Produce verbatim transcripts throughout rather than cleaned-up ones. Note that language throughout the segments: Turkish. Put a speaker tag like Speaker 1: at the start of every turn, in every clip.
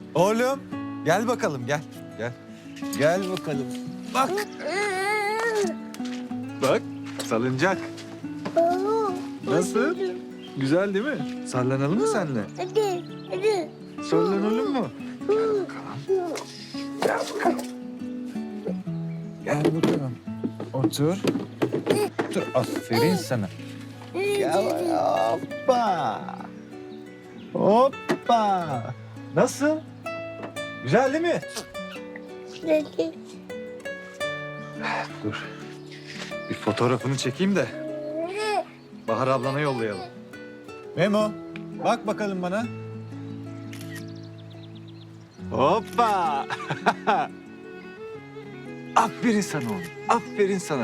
Speaker 1: Oğlum gel bakalım gel. Gel. Gel bakalım. Bak. Bak salıncak. Nasıl? Güzel değil mi? Sallanalım mı seninle?
Speaker 2: Hadi, hadi.
Speaker 1: Sallanalım mı? Gel bakalım. Gel bakalım. Gel bakalım. Otur. Otur. Aferin sana. Gel. Hoppa. Hoppa. Nasıl? Güzel değil mi?
Speaker 2: Hadi.
Speaker 1: Dur. Bir fotoğrafını çekeyim de Bahar ablana yollayalım. Memo, bak bakalım bana. Hoppa. Aferin sana oğlum. Aferin sana.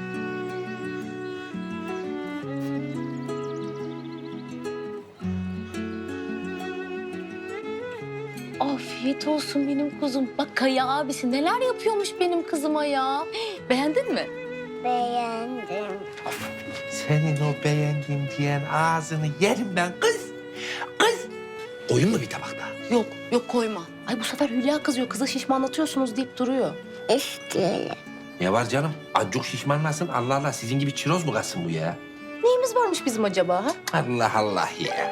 Speaker 3: Afiyet olsun benim kuzum. Bak Kaya abisi neler yapıyormuş benim kızıma ya. Beğendin mi?
Speaker 2: Beğendim.
Speaker 4: Senin o beğendim diyen ağzını yerim ben kız. Kız. Koyun mu bir tabakta?
Speaker 3: Yok, yok koyma. Ay bu sefer Hülya kızıyor. Kıza şişmanlatıyorsunuz deyip duruyor.
Speaker 2: İsteyelim.
Speaker 4: Ne var canım? Acık şişmanlasın. Allah Allah sizin gibi çiroz mu kalsın bu ya?
Speaker 3: Neyimiz varmış bizim acaba ha?
Speaker 4: Allah Allah ya.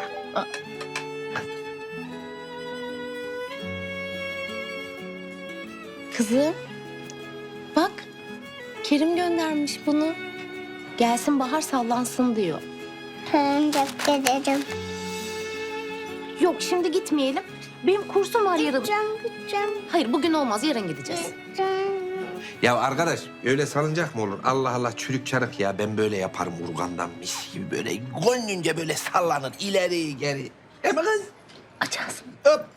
Speaker 3: Kızım, bak Kerim göndermiş bunu. Gelsin Bahar sallansın diyor.
Speaker 2: Tamam, çok ederim.
Speaker 3: Yok şimdi gitmeyelim. Benim kursum var yarın.
Speaker 2: Gideceğim, gideceğim,
Speaker 3: Hayır bugün olmaz yarın gideceğiz.
Speaker 2: gideceğim.
Speaker 4: Ya arkadaş öyle salınacak mı olur? Allah Allah çürük çarık ya. Ben böyle yaparım urgandan mis gibi böyle gönlünce böyle sallanır ileri geri. Değil mi kız?
Speaker 3: Aç ağzını.
Speaker 4: Hop.